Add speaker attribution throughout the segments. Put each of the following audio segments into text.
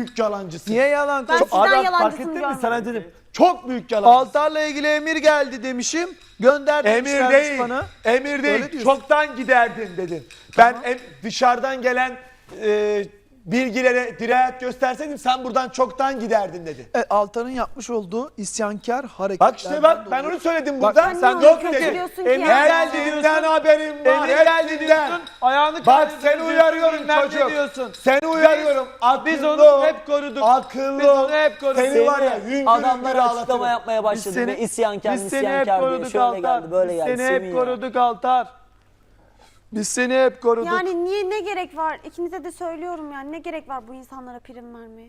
Speaker 1: büyük yalancısın.
Speaker 2: Niye yalan
Speaker 3: Ben
Speaker 2: konuşuyorsun?
Speaker 3: sizden
Speaker 1: Adam fark
Speaker 3: yalancısını
Speaker 1: ettin mi?
Speaker 3: görmedim.
Speaker 1: Sana dedim. Çok büyük yalancısın.
Speaker 2: Altar'la ilgili emir geldi demişim. Gönder
Speaker 1: Emir
Speaker 2: demişlermiş
Speaker 1: değil.
Speaker 2: bana.
Speaker 1: Emir
Speaker 2: Öyle
Speaker 1: değil.
Speaker 2: diyorsun.
Speaker 1: Çoktan giderdin dedin. Ben dışarıdan gelen bilgilere dirayet gösterseydim sen buradan çoktan giderdin dedi.
Speaker 2: Altar'ın yapmış olduğu isyankar hareketlerden
Speaker 1: Bak işte bak ben
Speaker 2: dolayı-
Speaker 1: onu söyledim
Speaker 2: Bak,
Speaker 1: burada.
Speaker 3: sen
Speaker 1: Sen
Speaker 3: niye
Speaker 1: yok
Speaker 3: onu
Speaker 1: dedin.
Speaker 3: kötülüyorsun ki
Speaker 2: Emir
Speaker 3: ya?
Speaker 2: geldi
Speaker 1: Hepsinden
Speaker 2: diyorsun.
Speaker 1: haberim var.
Speaker 2: Emir geldi
Speaker 1: Hepsinden.
Speaker 2: diyorsun. Ayağını
Speaker 1: Bak
Speaker 2: kaydırıyorsun,
Speaker 1: seni uyarıyorum
Speaker 2: bilmem ne
Speaker 1: çocuk.
Speaker 2: diyorsun.
Speaker 1: Seni uyarıyorum.
Speaker 2: Biz
Speaker 1: Akıllı
Speaker 2: onu
Speaker 1: ol.
Speaker 2: hep koruduk.
Speaker 1: Akıllı
Speaker 2: Biz
Speaker 1: ol.
Speaker 2: onu hep koruduk.
Speaker 1: Seni var ya
Speaker 4: Semih,
Speaker 1: hüngür
Speaker 4: adamlar
Speaker 1: hüngür
Speaker 4: açıklama
Speaker 1: ağlatırım.
Speaker 4: yapmaya başladı ve isyankar
Speaker 2: biz seni hep
Speaker 4: misyankar diye
Speaker 2: koruduk
Speaker 4: şöyle
Speaker 2: Altar.
Speaker 4: geldi böyle
Speaker 2: Biz
Speaker 4: geldi.
Speaker 2: seni
Speaker 4: Semih
Speaker 2: hep
Speaker 4: ya.
Speaker 2: koruduk Altar. Biz seni hep koruduk.
Speaker 3: Yani niye, ne gerek var? İkinize de söylüyorum yani, ne gerek var bu insanlara prim vermeye?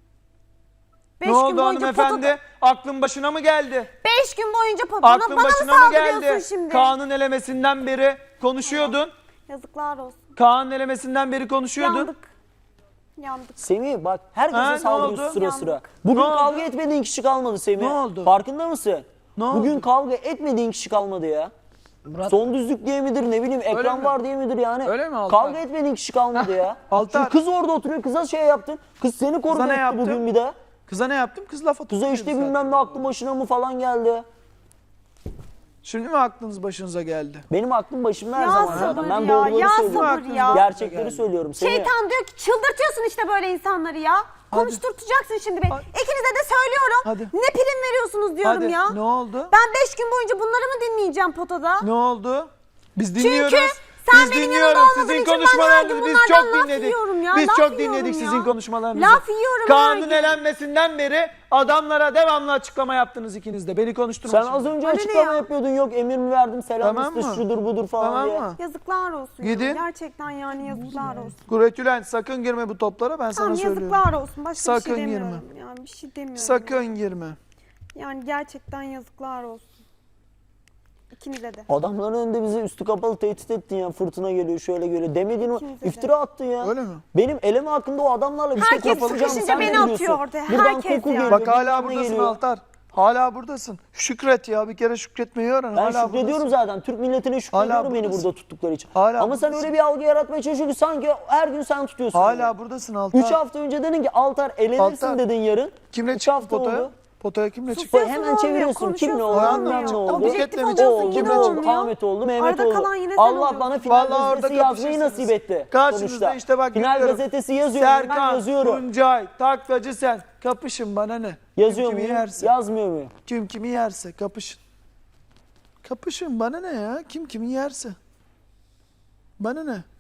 Speaker 2: Ne oldu hanımefendi? Aklın başına mı geldi?
Speaker 3: 5 gün boyunca
Speaker 2: Aklın
Speaker 3: bana mı
Speaker 2: başına mı
Speaker 3: saldırıyorsun
Speaker 2: geldi?
Speaker 3: şimdi?
Speaker 2: Kaan'ın elemesinden beri konuşuyordun.
Speaker 3: Yazıklar olsun.
Speaker 2: Kaan'ın elemesinden beri konuşuyordun.
Speaker 3: Yandık. Yandık.
Speaker 4: Semih bak
Speaker 2: Ha,
Speaker 4: herkese
Speaker 2: ne
Speaker 4: saldırıyorsun
Speaker 2: oldu?
Speaker 4: sıra
Speaker 3: Yandık.
Speaker 4: sıra. Bugün
Speaker 2: Ne oldu?
Speaker 4: kavga etmediğin kişi kalmadı Semih.
Speaker 2: Ne oldu?
Speaker 4: Farkında mısın?
Speaker 2: Ne
Speaker 4: Bugün
Speaker 2: oldu?
Speaker 4: kavga etmediğin kişi kalmadı ya. Son düzlük diye midir ne bileyim ekran
Speaker 2: mi?
Speaker 4: var diye midir yani.
Speaker 2: Öyle mi Altar?
Speaker 4: Kavga etmediğin kişi kalmadı ya.
Speaker 2: Altar.
Speaker 4: Şimdi kız orada oturuyor kıza şey yaptın. Kız seni korudu
Speaker 2: ne
Speaker 4: etti
Speaker 2: yaptım?
Speaker 4: bugün bir de.
Speaker 2: Kıza ne yaptım? Kız laf atıyor.
Speaker 4: Kıza işte bilmem ne aklı başına mı falan geldi.
Speaker 2: Şimdi mi aklınız başınıza geldi?
Speaker 4: Benim aklım başımda her
Speaker 3: Ya
Speaker 4: zaman
Speaker 3: sabır
Speaker 4: zaten. Ben
Speaker 3: ya,
Speaker 4: doğruları
Speaker 3: ya
Speaker 4: söylüyorum.
Speaker 3: sabır ya.
Speaker 4: Gerçekleri söylüyorum. Semih.
Speaker 3: Şeytan diyor ki çıldırtıyorsun işte böyle insanları ya. Konuşturtacaksın şimdi beni.
Speaker 2: Hadi.
Speaker 3: İkinize de söylüyorum.
Speaker 2: Hadi.
Speaker 3: Ne prim veriyorsunuz diyorum
Speaker 2: Hadi.
Speaker 3: ya.
Speaker 2: Ne oldu?
Speaker 3: Ben 5 gün boyunca bunları mı dinleyeceğim potada?
Speaker 2: Ne oldu? Biz dinliyoruz.
Speaker 3: sen
Speaker 2: Biz
Speaker 3: benim
Speaker 2: dinliyoruz
Speaker 3: yanımda olmadığın
Speaker 2: sizin
Speaker 3: için ben her
Speaker 2: konuşmalarınızı.
Speaker 3: gün
Speaker 2: Biz
Speaker 3: bunlardan
Speaker 2: çok
Speaker 3: laf
Speaker 2: dinledik.
Speaker 3: yiyorum ya,
Speaker 2: Biz
Speaker 3: laf
Speaker 2: çok
Speaker 3: yiyorum
Speaker 2: dinledik
Speaker 3: ya.
Speaker 2: sizin konuşmalarınızı.
Speaker 3: Laf yiyorum her
Speaker 2: Kaan'ın
Speaker 3: gün.
Speaker 2: elenmesinden beri adamlara devamlı açıklama yaptınız ikiniz de. Beni konuşturmayın.
Speaker 4: Sen az önce
Speaker 3: Bana ne
Speaker 4: açıklama
Speaker 3: ya?
Speaker 4: yapıyordun yok emir mi verdim selam
Speaker 2: Tamam
Speaker 4: iste
Speaker 2: mı?
Speaker 4: şudur budur falan
Speaker 2: Tamam
Speaker 4: diye.
Speaker 2: mı?
Speaker 3: Yazıklar olsun
Speaker 2: Gidin.
Speaker 3: ya. Gerçekten yani yazıklar olsun.
Speaker 2: Kuretülen sakın girme bu toplara ben sana
Speaker 3: Tamam
Speaker 2: söylüyorum.
Speaker 3: yazıklar olsun. Başka bir
Speaker 2: Sakın
Speaker 3: şey
Speaker 2: girme.
Speaker 3: demiyorum. Yani bir şey demiyorum.
Speaker 2: Sakın girme.
Speaker 3: Yani gerçekten yazıklar olsun. İkinize de.
Speaker 4: Adamların önünde bizi üstü kapalı tehdit ettin ya fırtına geliyor şöyle geliyor. Demediğin
Speaker 3: İkinize de.
Speaker 4: iftira attın ya.
Speaker 2: Öyle mi?
Speaker 4: Benim eleme hakkında o adamlarla bir
Speaker 3: Herkes
Speaker 4: şey konuşacağım.
Speaker 3: sıkışınca
Speaker 4: Sen
Speaker 3: beni
Speaker 4: ne biliyorsun?
Speaker 3: atıyor ortaya,
Speaker 4: Buradan
Speaker 3: herkes
Speaker 4: koku
Speaker 3: ya.
Speaker 4: geliyor.
Speaker 2: Bak hala
Speaker 4: bilmem ne
Speaker 2: buradasın
Speaker 4: geliyor.
Speaker 2: Altar. Hala buradasın. Şükret ya bir kere şükretmeyi öğren.
Speaker 4: Ben
Speaker 2: hala
Speaker 4: şükrediyorum
Speaker 2: buradasın.
Speaker 4: zaten. Türk milletine şükrediyorum beni
Speaker 2: buradasın.
Speaker 4: burada tuttukları için.
Speaker 2: Hala
Speaker 4: Ama sen
Speaker 2: buradasın.
Speaker 4: öyle bir algı yaratmaya çalışıyorsun ki sanki her gün sen tutuyorsun.
Speaker 2: Hala buradasın Altar.
Speaker 4: 3 hafta önce dedin ki Altar elenirsin
Speaker 2: Altar.
Speaker 4: dedin yarın.
Speaker 2: Kimle
Speaker 4: 3
Speaker 2: çıktın
Speaker 4: hafta
Speaker 2: potaya?
Speaker 4: oldu.
Speaker 2: Potaya kimle çıktın?
Speaker 3: Susuyorsun,
Speaker 4: Hemen
Speaker 3: olmuyor,
Speaker 4: çeviriyorsun. Kim ne oldu,
Speaker 3: konuşuyorsun,
Speaker 4: bilmem ne
Speaker 3: olmuyor.
Speaker 4: oldu.
Speaker 3: Objektif
Speaker 2: O
Speaker 3: oluyorsun
Speaker 4: oldu,
Speaker 3: yine
Speaker 4: bu oldu,
Speaker 3: olmuyor.
Speaker 4: Ahmet oldu, Mehmet
Speaker 3: Arada
Speaker 4: oldu.
Speaker 3: kalan yine sen
Speaker 4: Allah
Speaker 3: oluyorsun.
Speaker 4: bana final
Speaker 2: Vallahi orada
Speaker 4: gazetesi yazmayı
Speaker 2: kapışırsınız.
Speaker 4: nasip etti.
Speaker 2: Karşınızda
Speaker 4: sonuçta.
Speaker 2: işte bak
Speaker 4: Final
Speaker 2: görüyorum.
Speaker 4: gazetesi yazıyorum ben
Speaker 2: Serkan,
Speaker 4: yazıyorum.
Speaker 2: Tuncay, Taklacı sen. Kapışın bana ne?
Speaker 4: Yazıyor
Speaker 2: Kim kimi
Speaker 4: muyum?
Speaker 2: yerse.
Speaker 4: Yazmıyor muyum?
Speaker 2: Kim kimi yerse kapışın. Kapışın bana ne ya? Kim kimi yerse. Bana ne?